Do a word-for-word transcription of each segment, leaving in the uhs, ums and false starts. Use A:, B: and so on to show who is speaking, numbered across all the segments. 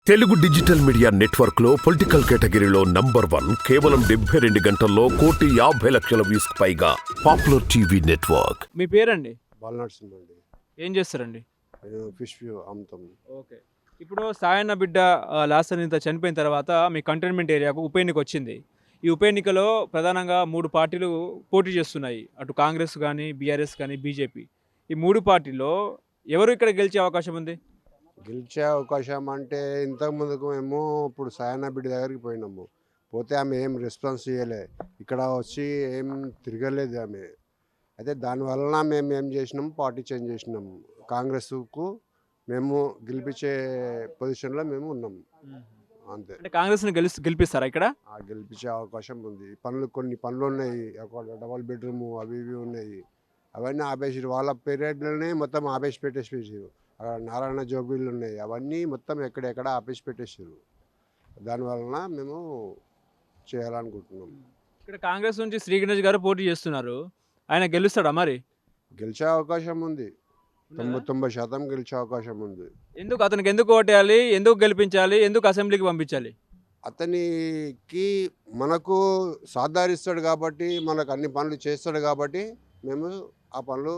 A: Telugu digital media network లో political కేటగిరీలో number one కేవలం డెబ్బై రెండు గంటల్లో కోటి యాభై లక్షల వ్యూస్ పైగా పాపులర్ టీవీ నెట్వర్క్.
B: మీ పేరండి?
C: బాలనరసింహ అండి.
B: ఏం చేస్తారండి?
C: నేను ఫిష్ వ్యూ అమ్ముతాం.
B: ఓకే. ఇప్పుడు సాయన్న బిడ్డ లాస్ట్ ఇంత చనిపోయిన తర్వాత మీ కంటైన్మెంట్ ఏరియాకు ఉప ఎన్నిక వచ్చింది. ఈ ఉప ఎన్నికలో ప్రధానంగా మూడు పార్టీలు పోటీ చేస్తున్నాయి. అటు కాంగ్రెస్ కానీ, బీఆర్ఎస్ కానీ, బీజేపీ. ఈ మూడు పార్టీల్లో ఎవరు ఇక్కడ గెలిచే అవకాశం ఉంది?
C: గెలిచే అవకాశం అంటే ఇంతకు ముందుకు మేము ఇప్పుడు సాయన్న బిడ్డ దగ్గరికి పోయినాము. పోతే ఆమె ఏం రెస్పాన్స్ చేయలే, ఇక్కడ వచ్చి ఏం తిరగలేదు ఆమె. అయితే దానివలన మేము ఏం చేసినాము, పార్టీ చేంజ్ చేసినాము. కాంగ్రెస్కు మేము గెలిపించే పొజిషన్లో మేము ఉన్నాము అంతే.
B: అంటే కాంగ్రెస్ని గెలి గెలిపిస్తారా ఇక్కడ?
C: గెలిపించే అవకాశం ఉంది. పనులు కొన్ని పనులు ఉన్నాయి, ఒక డబల్ బెడ్రూమ్ అవి ఇవి ఉన్నాయి. అవన్నీ ఆపేసారు. వాళ్ళ పీరియడ్లోనే మొత్తం ఆపేసి పెట్టేసి అక్కడ నారాయణ జోబీలు ఉన్నాయి, అవన్నీ మొత్తం ఎక్కడెక్కడ ఆపేసి పెట్టేసారు. దానివలన మేము చేయాలనుకుంటున్నాం.
B: ఇక్కడ కాంగ్రెస్ నుంచి శ్రీ గణేష్ గారు పోటీ చేస్తున్నారు. ఆయన గెలుస్తాడా మరి?
C: గెలిచే అవకాశం ఉంది. తొంభై తొంభై శాతం గెలిచే అవకాశం ఉంది.
B: ఎందుకు అతనికి ఎందుకు ఓటేయాలి, ఎందుకు గెలిపించాలి, ఎందుకు అసెంబ్లీకి పంపించాలి?
C: అతనికి మనకు సాధారిస్తాడు కాబట్టి, మనకు అన్ని పనులు చేస్తాడు కాబట్టి మేము ఆ పనులు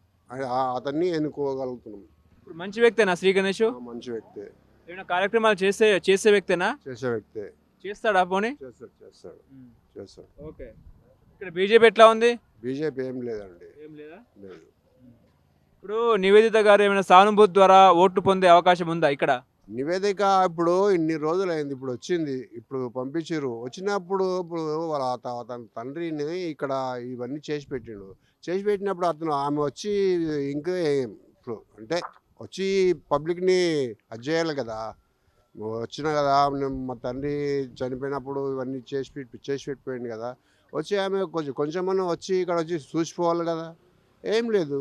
C: అతన్ని ఎన్నుకోగలుగుతున్నాం.
B: ఇప్పుడు మంచి వ్యక్తేనా శ్రీ గణేష్?
C: మంచి వ్యక్తే.
B: ఏమైనా కార్యక్రమాలు చేసే చేసే వ్యక్తేనా?
C: చేసే వ్యక్తే.
B: చేస్తాడా పోనీ?
C: చేస్తాడు చేస్తాడు చేస్తాడు
B: ఓకే. ఇక్కడ బీజేపీ ఎట్లా ఉంది?
C: బీజేపీ ఏం లేదండి.
B: ఏం లేదా?
C: లేదు.
B: ఇప్పుడు నివేదిత గారు ఏమైనా సానుభూతి ద్వారా ఓట్లు పొందే అవకాశం ఉందా ఇక్కడ?
C: నివేదిక ఇప్పుడు ఇన్ని రోజులు అయింది, ఇప్పుడు వచ్చింది, ఇప్పుడు పంపించారు. వచ్చినప్పుడు ఇప్పుడు వాళ్ళ తన తండ్రిని ఇక్కడ ఇవన్నీ చేసి పెట్టిండు. చేసి పెట్టినప్పుడు అతను ఆమె వచ్చి ఇంకా ఇప్పుడు అంటే వచ్చి పబ్లిక్ని అది చేయాలి కదా. వచ్చిన కదా, మా తండ్రి చనిపోయినప్పుడు ఇవన్నీ చేసి పెట్టి చేసి పెట్టిపోయింది కదా. వచ్చి ఆమె కొంచెం కొంచెమన్నా వచ్చి ఇక్కడ వచ్చి చూసిపోవాలి కదా. ఏం లేదు,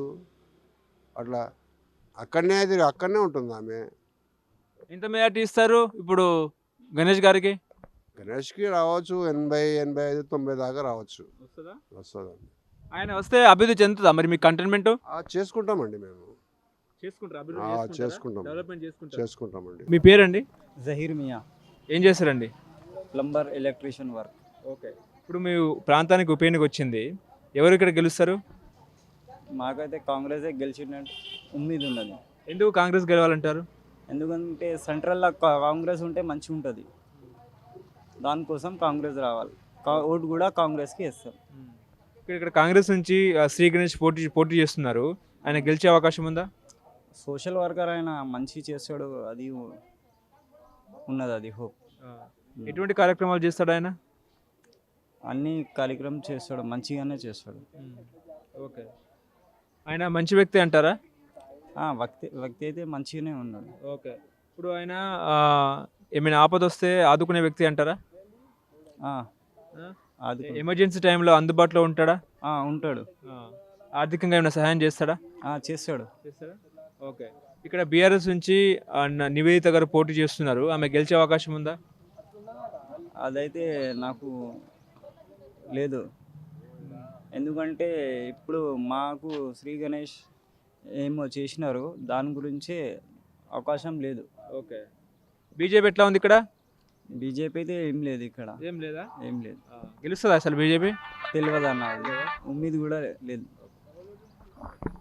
C: అట్లా అక్కడనే అది అక్కడనే ఉంటుంది ఆమె.
B: ఎంత మెజార్టీ ఇస్తారు ఇప్పుడు గణేష్ గారికి?
C: గణేష్కి రావచ్చు ఎనభై ఎనభై ఐదు తొంభై దాకా రావచ్చు.
B: వస్తుందా?
C: వస్తుందండి.
B: ఆయన వస్తే అభివృద్ధి చెందుతుందా మరి మీ కంటైన్మెంట్?
C: చేసుకుంటామండి మేము.
B: చేసుకుంటారు
C: చేసుకుంటాం
B: డెవలప్మెంట్ చేసుకుంటారు
C: చేసుకుంటామండి.
B: మీ పేరండి?
D: జహీర్ మియా.
B: ఏం చేస్తారండి?
D: Plumber, electrician work.
B: ఓకే. ఇప్పుడు మీ ప్రాంతానికి ఉప ఎన్నిక వచ్చింది, ఎవరు ఇక్కడ గెలుస్తారు?
D: మాకైతే కాంగ్రెసే గెలిచినట్టు ఉమ్మీది ఉన్నది.
B: ఎందుకు కాంగ్రెస్ గెలవాలంటారు?
D: ఎందుకంటే సెంట్రల్లో కాంగ్రెస్ ఉంటే మంచిగా ఉంటుంది, దానికోసం కాంగ్రెస్ రావాలి. ఓటు కూడా కాంగ్రెస్కి వేస్తారు.
B: ఇక్కడ ఇక్కడ కాంగ్రెస్ నుంచి శ్రీ గణేష్ పోటీ పోటీ చేస్తున్నారు, ఆయన గెలిచే అవకాశం ఉందా?
D: సోషల్ వర్కర్ ఆయన మంచి చేస్తాడు, అది ఉన్నది, అది హోప్.
B: ఎటువంటి కార్యక్రమాలు చేస్తాడు ఆయన?
D: అన్ని కార్యక్రమం చేస్తాడు, మంచిగానే చేస్తాడు.
B: ఓకే. ఆయన మంచి వ్యక్తి అంటారా?
D: వ్యక్తి వ్యక్తి అయితే మంచిగానే ఉన్నాడు.
B: ఓకే. ఇప్పుడు ఆయన ఏమైనా ఆపద వస్తే ఆదుకునే వ్యక్తి అంటారా? ఎమర్జెన్సీ టైంలో అందుబాటులో ఉంటాడా?
D: ఉంటాడు.
B: ఆర్థికంగా ఏమైనా సహాయం చేస్తాడా?
D: చేస్తాడు
B: చేస్తాడా ఓకే. ఇక్కడ బీఆర్ఎస్ నుంచి నివేదిత గారు పోటీ చేస్తున్నారు, ఆమె గెలిచే అవకాశం ఉందా?
D: అదైతే నాకు లేదు, ఎందుకంటే ఇప్పుడు మాకు శ్రీ గణేష్ ఏమో చేసినారు, దాని గురించే అవకాశం లేదు.
B: ఓకే. బీజేపీ ఎట్లా ఉంది ఇక్కడ?
D: బీజేపీ అయితే ఏం లేదు ఇక్కడ.
B: ఏం లేదా?
D: ఏం లేదు.
B: గెలుస్తుందా అసలు బీజేపీ?
D: తెలియదు అన్న, ఉమ్మీది కూడా లేదు.